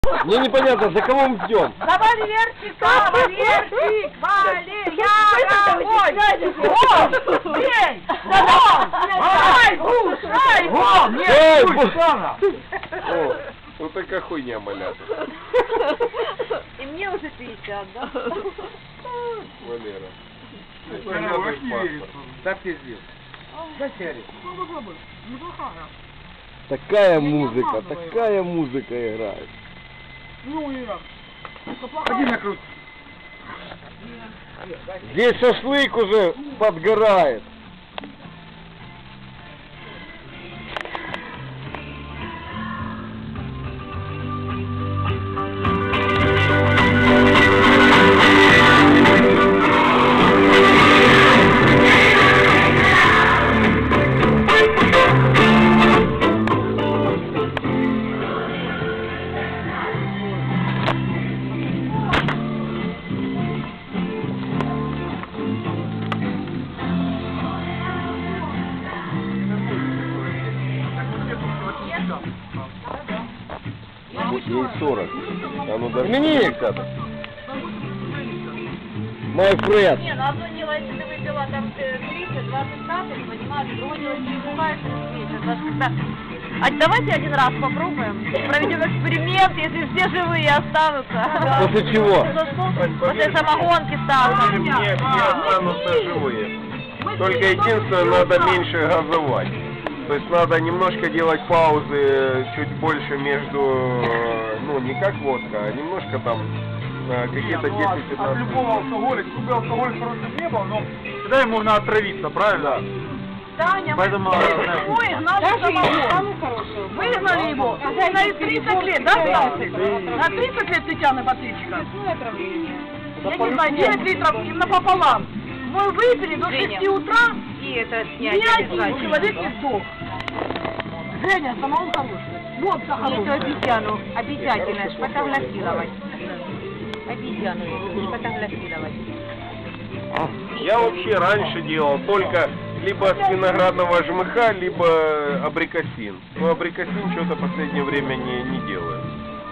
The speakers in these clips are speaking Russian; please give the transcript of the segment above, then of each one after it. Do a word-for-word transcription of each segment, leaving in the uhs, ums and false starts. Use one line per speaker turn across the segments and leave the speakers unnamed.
Мне непонятно, за кого мы ждем.
За Валерчика! Валерчик! Валерьяровой! О! Бей! Шайбу! Шайбу!
Шайбу! О, вот такая хуйня, малята.
И мне уже пятьдесят, да?
Валера.
Так пиздец. Зачем?
Такая музыка, такая музыка играет.
Ну, Ира.
Ходи на крут.
Здесь шашлык уже подгорает. Ей сорок. А ну даже не как-то. My friend.
Не, ну одно дело, если ты выпила там тридцать двадцать капель, понимаешь, другое дело, если ты бываешь тридцать. А давайте один раз попробуем, проведем эксперимент, если все живые останутся.
После чего?
После самогонки станут.
Все, все останутся живые. Только единственное, надо меньше газовать. То есть надо немножко делать паузы чуть больше между, ну не как водка, а немножко там какие-то десять-пятнадцать.
От любого алкоголя, какой алкоголь хороший не был, но всегда им можно отравиться, правильно?
Таня,
Поэтому...
мы изгнали самогон. Выгнали его. На тридцать лет, да, остался? На тридцать лет Татьяна Батырчика. Я не знаю, девять литров напополам. Мы выпили до шести утра,
И это
ни один человек не сдох. Женя, самогон хороший. Вот
эту
хороший.
обезьяну обязательно сфотографировать. Обезьяну эту сфотографировать.
Я вообще раньше делал только либо с виноградного жмыха, либо абрикосин. Но абрикосин что-то в последнее время не, не делаю.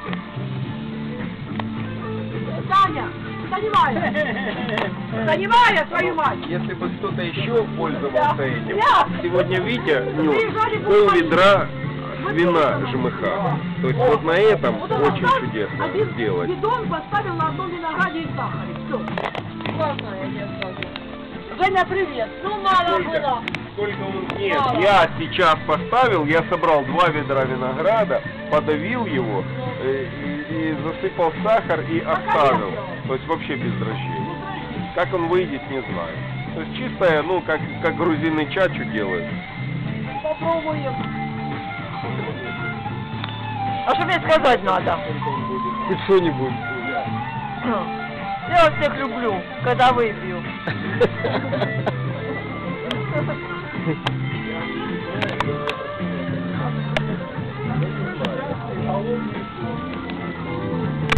Таня, занимай! Занимай, твою мать!
Если бы кто-то еще пользовался этим,
Я.
сегодня Витя нес пол ведра вина жмыха. То есть вот на этом
Вот он
очень
оставил,
чудесно
один
сделать.
бидон поставил на одном винограде и сахаре. Все. Классно, я тебе скажу. Женя, привет. Ну, мало было.
Сколько он... Нет, я сейчас поставил, я собрал два ведра винограда, подавил его э, и, и засыпал сахар и оставил. То есть вообще без дрожжей. Как он выйдет, не знаю. То есть чистая, ну, как, как грузины чачу делают.
Попробуем.
А что мне сказать надо?
Хоть что-нибудь.
Я всех люблю, когда выпью.